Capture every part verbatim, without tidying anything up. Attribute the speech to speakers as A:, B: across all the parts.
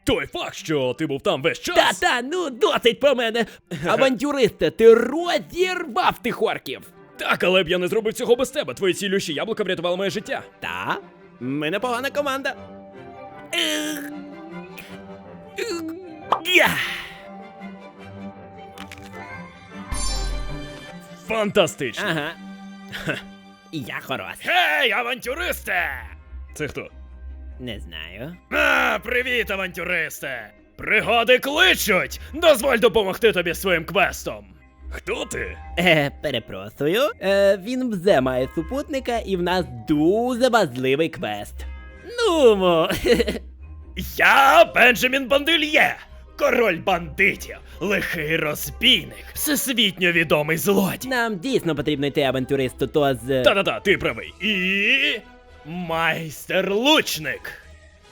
A: Той факт, що ти був там весь час.
B: Та-та, ну досить про мене. Авантюристе, ти розірвав тих орків.
A: Так, але б я не зробив цього без тебе. Твої цілющі яблука врятували моє життя.
B: Та? Ми непогана команда.
A: Фантастично.
B: Ага. Я хорош.
A: Гей, авантюристе! Це хто?
B: Не знаю.
A: А, привіт, авантюристе! Пригоди кличуть! Дозволь допомогти тобі своїм квестом. Хто ти?
B: Е, перепрошую. Е, він вже має супутника і в нас дуже важливий квест. Нумо.
A: Я Бенджамін Бандильє, король бандитів, лихий розбійник, всесвітньо відомий злодій.
B: Нам дійсно потрібно йти авантюристу, то з...
A: Та-та-та, ти правий. І... майстер-лучник.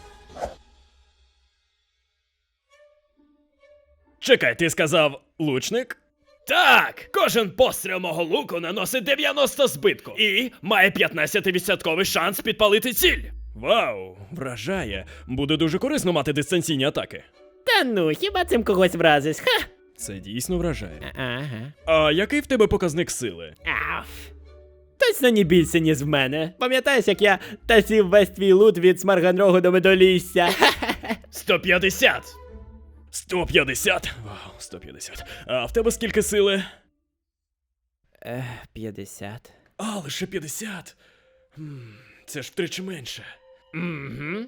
A: Чекай, ти сказав лучник? Так, кожен постріл мого луку наносить дев'яносто збитку і має п'ятнадцять відсотків шанс підпалити ціль. Вау, вражає. Буде дуже корисно мати дистанційні атаки.
B: Та ну, хіба цим когось вразиш? Ха!
A: Це дійсно вражає.
B: Ага.
A: А який в тебе показник сили?
B: Аф. Точно не більше, ніж в мене. Пам'ятаєш, як я тасів весь твій лут від Смарганрогу до Медолісся?
A: сто п'ятдесят. сто п'ятдесят? Вау, сто п'ятдесят. А в тебе скільки сили?
B: Ех, п'ятдесят.
A: А, лише п'ятдесят. Хм, це ж втричі менше. Угу.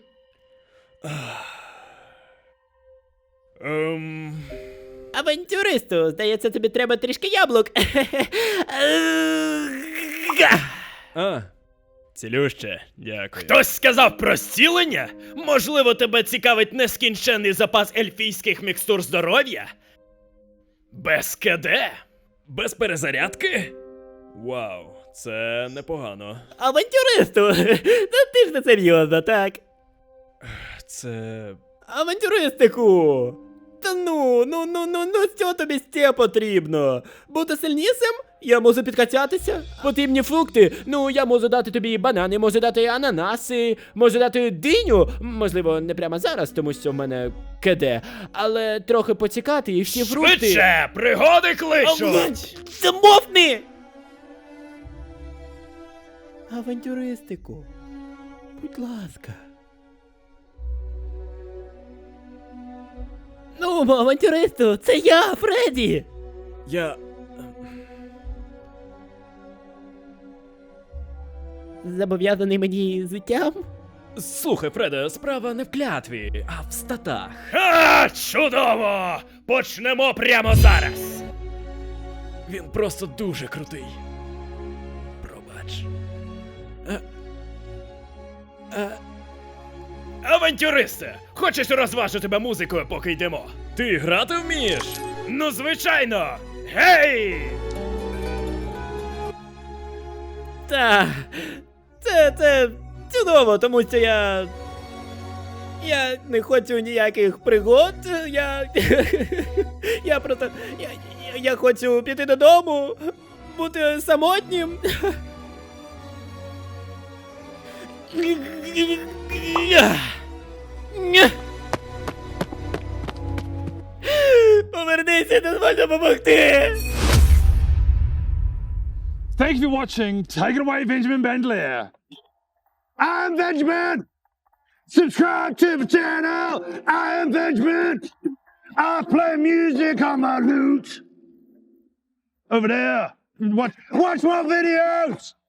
A: Ем...
B: Авантюристу, здається, тобі треба трішки яблук.
A: А, цілюще, дякую. Хтось сказав про зцілення? Можливо, тебе цікавить нескінченний запас ельфійських мікстур здоров'я? Без КД? Без перезарядки? Вау, це непогано.
B: Авантюристу! Та ти ж не серйозно, так?
A: Це...
B: Авантюристику! Та ну, ну, ну, ну, ну, що тобі ще потрібно? Бути сильнішим? Я можу підкачатися? Потрібні фрукти? Ну, я можу дати тобі банани, можу дати ананаси, можу дати диню. Можливо, не прямо зараз, тому що в мене КД. Але трохи поцікати і всі фрукти...
A: Швидше! Пригоди кличуть!
B: Замовкни! Авантюристику, будь ласка. Ну, авантюристу, це я, Фредді!
A: Я...
B: Зобов'язаний мені життям?
A: Слухай, Фреде, справа не в клятві, а в статах. А, чудово! Почнемо прямо зараз! Він просто дуже крутий. Пробач. А... А... Авантюристе! Хочеш розважу тебе музикою, поки йдемо? Ти грати вмієш? Ну, звичайно! Гей!
B: Та, це, це чудово, тому що я... Я не хочу ніяких пригод, я... Я просто... Я, я, я хочу піти додому, бути самотнім. Повернися, дозволь допомогти!
C: Thank you for watching. Take it away, Benjamin Bandelier. I'm Benjamin. Subscribe to the channel. I am Benjamin. I play music on my lute. Over there. Watch, watch my videos.